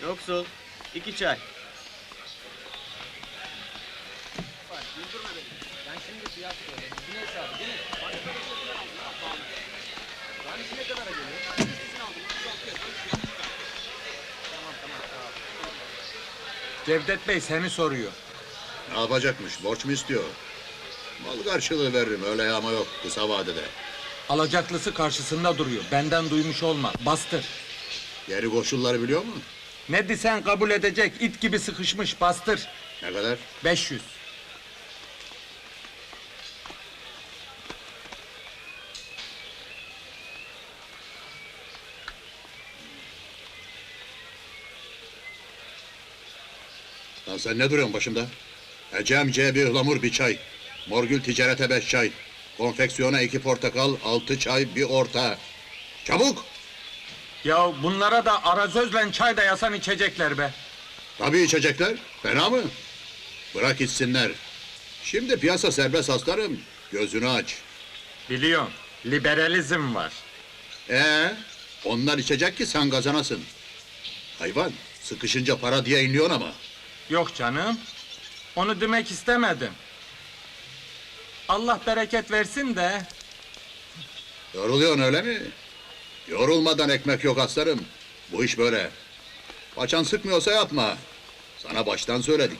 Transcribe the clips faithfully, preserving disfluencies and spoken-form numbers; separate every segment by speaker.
Speaker 1: Yoksul. iki çay.
Speaker 2: Güldürme beni. Ben şimdi fiyat söyleyeyim. Gün hesabı değil mi? Başka bir şeyden aldım ha pahalı. Tanesi ne kadara geliyor? Listesini aldım. otuz altıya. Tamam tamam sağ ol.
Speaker 3: Cevdet Bey seni soruyor.
Speaker 4: Ne yapacakmış? Borç mu istiyor? Mal karşılığı veririm, öyle yağma yok kısa vadede.
Speaker 3: Alacaklısı karşısında duruyor. Benden duymuş olma. Bastır.
Speaker 4: Geri koşulları biliyor musun?
Speaker 3: Ne desen kabul edecek. İt gibi sıkışmış. Bastır.
Speaker 4: Ne kadar?
Speaker 3: beş yüz.
Speaker 4: Lan sen ne duruyorsun başımda? Ecem C bir ıhlamur bir çay. Morgül ticarete beş çay. Konfeksiyona iki portakal, altı çay, bir orta. Çabuk!
Speaker 3: Ya bunlara da arazözle çay da yasan içecekler be.
Speaker 4: Tabii içecekler. Fena mı? Bırak içsinler. Şimdi piyasa serbest aslanım. Gözünü aç.
Speaker 3: Biliyorum. Liberalizm var.
Speaker 4: Ee, onlar içecek ki sen kazanasın. Hayvan, sıkışınca para diye inliyorsun ama.
Speaker 3: Yok canım. Onu demek istemedim. Allah bereket versin de.
Speaker 4: Yoruluyorsun öyle mi? Yorulmadan ekmek yok aslanım. Bu iş böyle. Paçan sıkmıyorsa yapma. Sana baştan söyledik.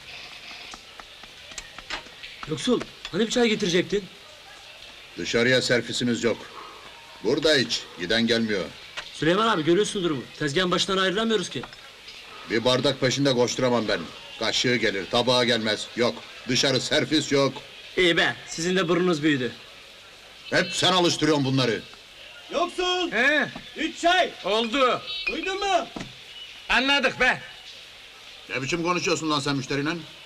Speaker 5: Yoksul, hani bir çay getirecektin?
Speaker 4: Dışarıya servisimiz yok. Burada iç, giden gelmiyor.
Speaker 5: Süleyman abi görüyorsun durumu. Tezgahın başından ayrılamıyoruz ki.
Speaker 4: Bir bardak peşinde koşturamam ben. Kaşığı gelir, tabağa gelmez. Yok, dışarı servis yok.
Speaker 5: İyi be, sizin de burnunuz büyüdü.
Speaker 4: Hep sen alıştırıyorsun bunları.
Speaker 1: Yoksul.
Speaker 3: He,
Speaker 1: Üç çay.
Speaker 3: oldu.
Speaker 1: Duydun mu?
Speaker 3: Anladık be.
Speaker 4: Ne biçim konuşuyorsun lan sen müşteriyle?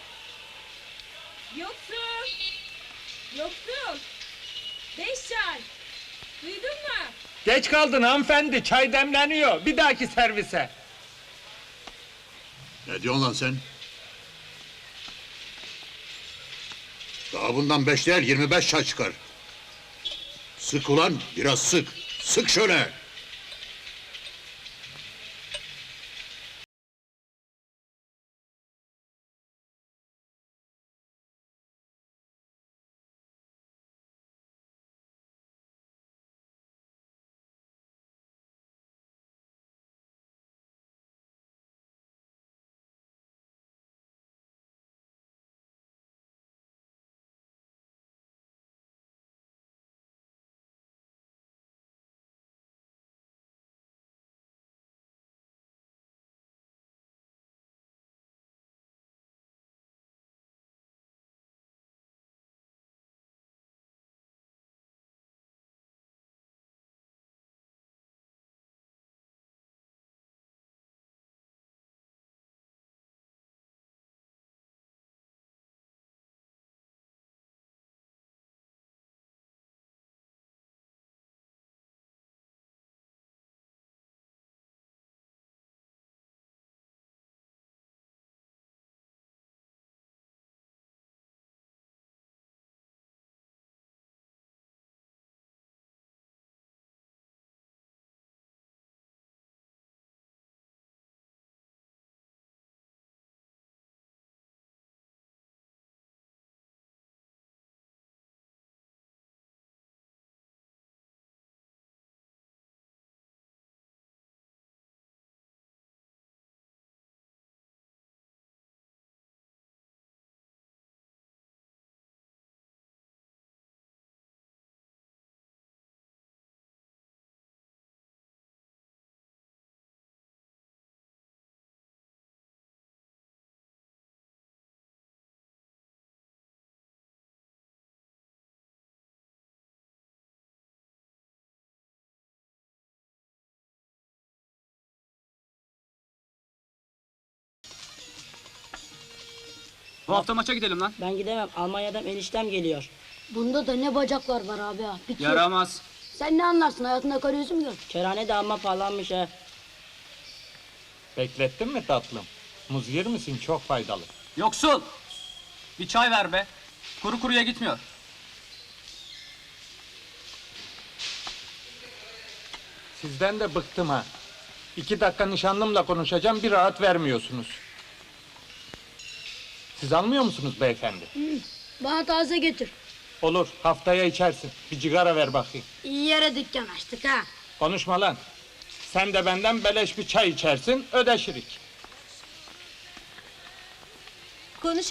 Speaker 6: Yoksul! Yoksul! Beş çay! Duydun mu?
Speaker 3: Geç kaldın hanımefendi. Çay demleniyor. Bir dahaki servise.
Speaker 4: Ne diyorsun lan sen? Daha bundan beş değil, yirmi beş çay çıkar. Sık ulan, biraz sık. Sık şöyle.
Speaker 2: Bu hafta maça gidelim lan.
Speaker 7: Ben gidemem. Almanya'dan eniştem geliyor.
Speaker 8: Bunda da ne bacaklar var abi ya. Bitiyor.
Speaker 2: Yaramaz.
Speaker 8: Sen ne anlarsın? Hayatında karı yüzü mü gör?
Speaker 7: Kerane de amma pahalanmış ha.
Speaker 3: Beklettin mi tatlım? Muz yer misin? Çok faydalı.
Speaker 2: Yoksul! Bir çay ver be. Kuru kuruya gitmiyor.
Speaker 3: Sizden de bıktım ha. İki dakika nişanlımla konuşacağım, bir rahat vermiyorsunuz. Siz almıyor musunuz beyefendi?
Speaker 8: Bana taze getir.
Speaker 3: Olur, haftaya içersin. Bir cigara ver bakayım.
Speaker 8: İyi yere dükkan açtık ha.
Speaker 3: Konuşma lan. Sen de benden beleş bir çay içersin, ödeşirik.
Speaker 6: Konuş